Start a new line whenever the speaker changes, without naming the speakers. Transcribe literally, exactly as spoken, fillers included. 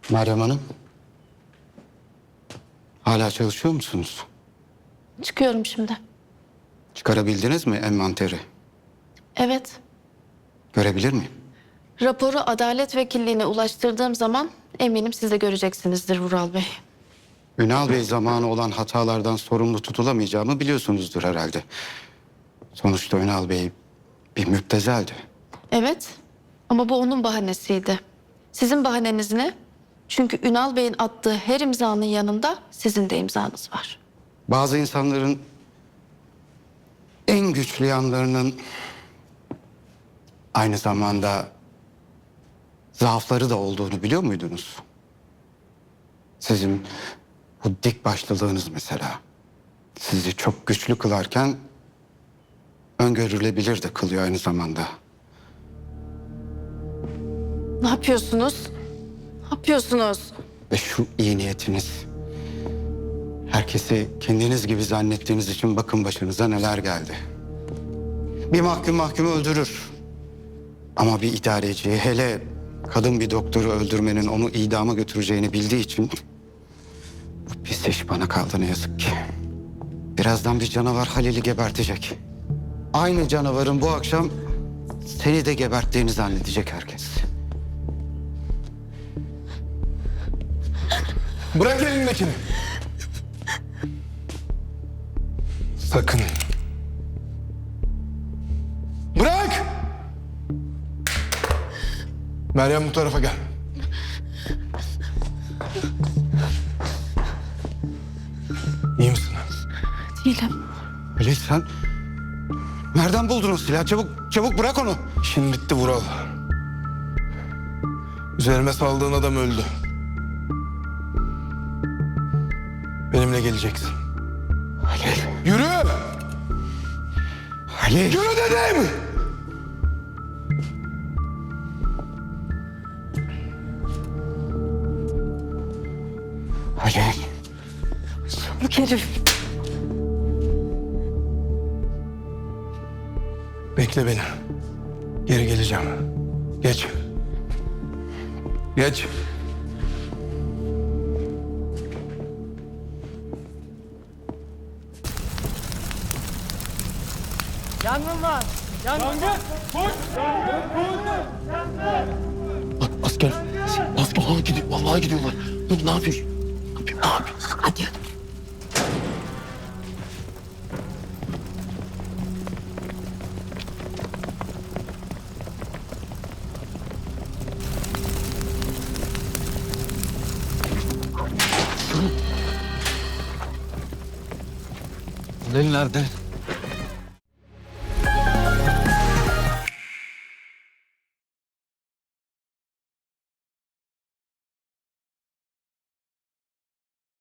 Meryem Hanım, hala çalışıyor musunuz?
Çıkıyorum şimdi.
Çıkarabildiniz mi envanteri?
Evet.
Görebilir miyim?
Raporu Adalet Vekilliğine ulaştırdığım zaman eminim siz de göreceksinizdir Vural Bey.
Ünal Bey zamanı olan hatalardan sorumlu tutulamayacağımı biliyorsunuzdur herhalde. Sonuçta Ünal Bey bir müptezeldi.
Evet ama bu onun bahanesiydi. Sizin bahaneniz ne? Çünkü Ünal Bey'in attığı her imzanın yanında sizin de imzanız var.
Bazı insanların en güçlü yanlarının aynı zamanda zaafları da olduğunu biliyor muydunuz? Sizin bu dik başlılığınız mesela sizi çok güçlü kılarken öngörülebilir de kılıyor aynı zamanda.
Ne yapıyorsunuz? Ne yapıyorsunuz?
Ve şu iyi niyetiniz, herkesi kendiniz gibi zannettiğiniz için bakın başınıza neler geldi. Bir mahkum mahkumu öldürür. Ama bir idareci, hele kadın bir doktoru öldürmenin onu idama götüreceğini bildiği için bu pis iş bana kaldı ne yazık ki. Birazdan bir canavar Halil'i gebertecek. Aynı canavarın bu akşam seni de geberttiğini zannedecek herkes.
Bırak elindekini. Sakın. Bırak! Meryem bu tarafa gel. İyi misin?
Değilim.
Halil sen nereden buldun o silahı? Çabuk, çabuk bırak onu.
İşin bitti Vural. Üzerime saldığın adam öldü. Benimle geleceksin.
Halil,
Yürü!
Halil.
Yürü dedim!
Halil.
Bu herif.
Bekle beni. Geri geleceğim. Geç. Geç.
Yangın var. Yangın. Koş.
Asker, asker vallahi gidiyor, vallahi gidiyorlar. Dur ne yapıyorsun? Ne yapayım, ne yapayım? Hadi. Halil nerede?